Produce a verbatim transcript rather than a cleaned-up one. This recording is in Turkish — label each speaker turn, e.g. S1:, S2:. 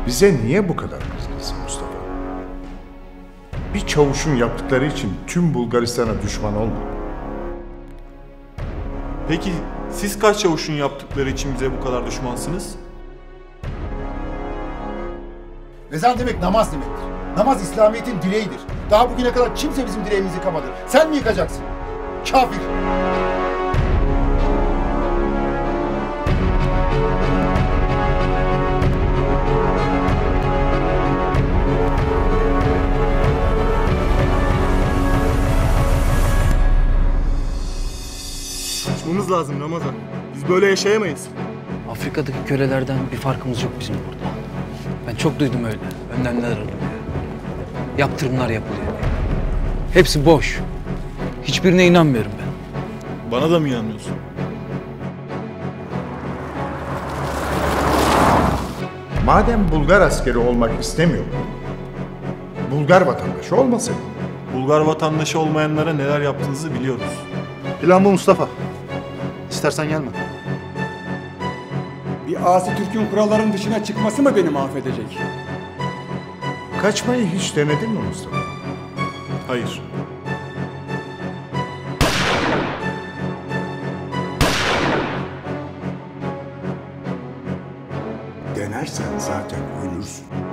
S1: Bize niye bu kadar kızgınsın Mustafa? Bir çavuşun yaptıkları için tüm Bulgaristan'a düşman olma.
S2: Peki siz kaç çavuşun yaptıkları için bize bu kadar düşmansınız?
S3: Ezan demek namaz demektir. Namaz İslamiyet'in direğidir. Daha bugüne kadar kimse bizim direğimizi yıkamadı. Sen mi yıkacaksın? Kafir!
S2: Kaçmamız lazım Ramazan. Biz böyle yaşayamayız.
S4: Afrika'daki kölelerden bir farkımız yok bizim burada. Ben çok duydum öyle. Önlemler alınıyor. Yaptırımlar yapılıyor. Hepsi boş. Hiçbirine inanmıyorum ben.
S2: Bana da mı inanmıyorsun?
S1: Madem Bulgar askeri olmak istemiyor, Bulgar vatandaşı olmasın.
S2: Bulgar vatandaşı olmayanlara neler yaptığınızı biliyoruz.
S3: Plan bu Mustafa. İstersen gelme.
S5: Bir asi Türk'ün kuralların dışına çıkması mı beni mahvedecek?
S1: Kaçmayı hiç denedin mi Mustafa?
S2: Hayır.
S1: Denersen zaten ölürsün.